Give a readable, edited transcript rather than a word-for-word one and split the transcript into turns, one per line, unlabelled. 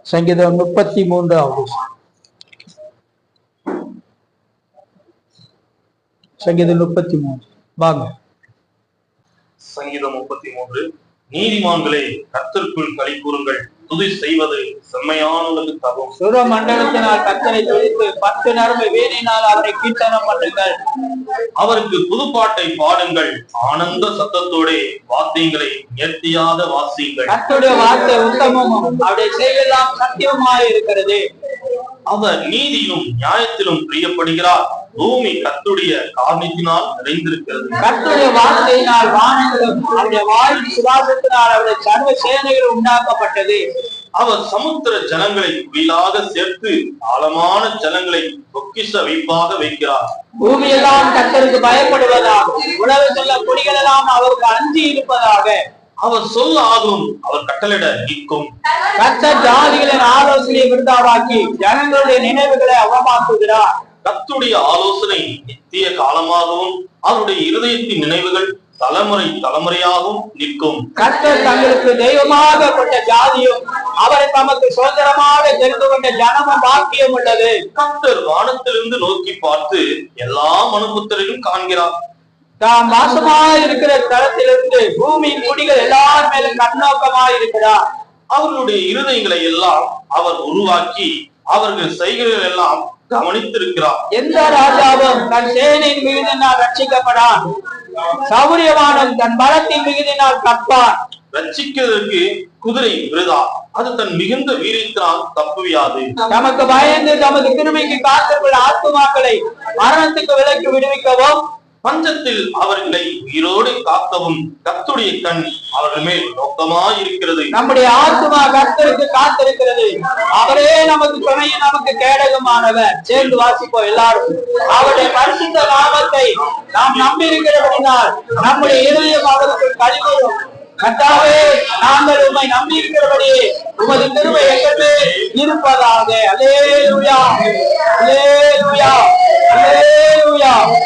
சங்கீதம் 33 சங்கீதம் 33 வாங்க.
சங்கீதம் 33. நீதிமான்களே கர்த்தருக்குள் களி கூறுங்கள், துதி செய்வது செம்மையானவர்களுக்கு தகும்.
சுர மண்டலத்தினால் கர்த்தரை துதித்து 10 நரம்பு வீணினால் அவரை கீர்த்தனம் பண்ணுங்கள்.
அவருக்கு புதுப்பாட்டை பாடுங்கள், ஆனந்த சத்தத்தோட வாத்தியங்களை நிறுத்தியாத வாசியுங்கள்.
கர்த்தருடைய வார்த்தை உத்தமமும் அவருடைய செயலெல்லாம் சத்தியமாய் இருக்கிறது.
அவர் நீதியிலும் நியாயத்திலும் பிரியப்படுகிறார். பூமி கர்த்தருடைய காரணத்தினால் நிறைந்திருக்கிறது.
கர்த்தருடைய வார்த்தையினால் வானங்களும் அவருடைய வாயின் சுவாசத்தினால் அவருடைய சர்வ சேனைகள் உண்டாக்கப்பட்டது.
அவர் சமுத்திர ஜலங்களை குயிலாக சேர்த்து ஆழமான ஜலங்களை பொக்கிஷ வைப்பாக வைக்கிறார்.
பூமியெல்லாம் கர்த்தருக்கு பயப்படுவதாக, உலகத்துள்ள குடிகள் எல்லாம் அவருக்கு அஞ்சி இருப்பதாக.
அவர் சொல்ல ஆகும், அவர் கட்டளையிட நிற்கும்.
கர்த்தர் ஜாதிகளின் ஆலோசனையை விருதாவாக்கி ஜனங்களுடைய நினைவுகளை அவமாக்குகிறார்.
கர்த்தருடைய ஆலோசனை நித்திய காலமாகவும் அவருடைய இருதயத்தின் நினைவுகள் தலைமுறை தலைமுறையாகவும் நிற்கும்.
கர்த்தர் தங்களுக்கு தெய்வமாக கொண்ட ஜாதியும் அவரை தமக்கு சுதந்திரமாக தெரிந்து கொண்ட ஜனமும் பாக்கியம் உள்ளது.
கர்த்தர் வானத்திலிருந்து நோக்கி பார்த்து எல்லா மனுபுத்திரையும் காண்கிறார்.
தாம் வாசமாய் இருக்கிற தளத்திலிருந்து பூமியின் குடிகள் எல்லார் மேலும் கண்ணோக்கமாய் இருக்கிறார்.
அவர்களுடைய இருதயங்களை எல்லாம் அவர் உருவாக்கி அவர்கள் செய்கைகள் எல்லாம் கவனித்திருக்கிறார்.
எந்த ராஜாவும் தன் சேனையின் மிகுதினால் ரட்சிக்கப்படான், சௌரியவானும் தன் பலத்தின் மிகுதினால் கற்பான்.
ரட்சிக்கிறதுக்கு குதிரை விருதா, அது தன் மிகுந்த வீரியத்தினால் தப்புவியாது.
தமக்கு பயந்து தமது கிருபைக்கு காத்துக்கொள்ள ஆத்துமாக்களை மரணத்துக்கு விலக்கி விடுவிக்கவும்,
பஞ்சத்தில் அவர்களை உயிரோடு காக்கவும் கர்த்தருடைய கண் அவர்கள் மேல் நோக்கமாயிருக்கிறது.
நம்முடைய ஆத்துமா கர்த்தருக்கு காத்திருக்கிறது. அவரே நமக்கு துணையும் நமக்கு கேடகமானவர். சேர்ந்து வாசிப்போம் எல்லாரும். அவருடைய பரிசுத்த நாமத்தை நாம் நம்பி இருக்கிறபடினால் நம்முடைய இருதயம் அவருக்கு கழிவரும். கர்த்தாவே, நாங்கள் உம்மை நம்பி இருக்கிறபடியே உமது கிருபை எங்கள் மேல் இருப்பதாக. அல்லேலூயா, அல்லேலூயா, அல்லேலூயா.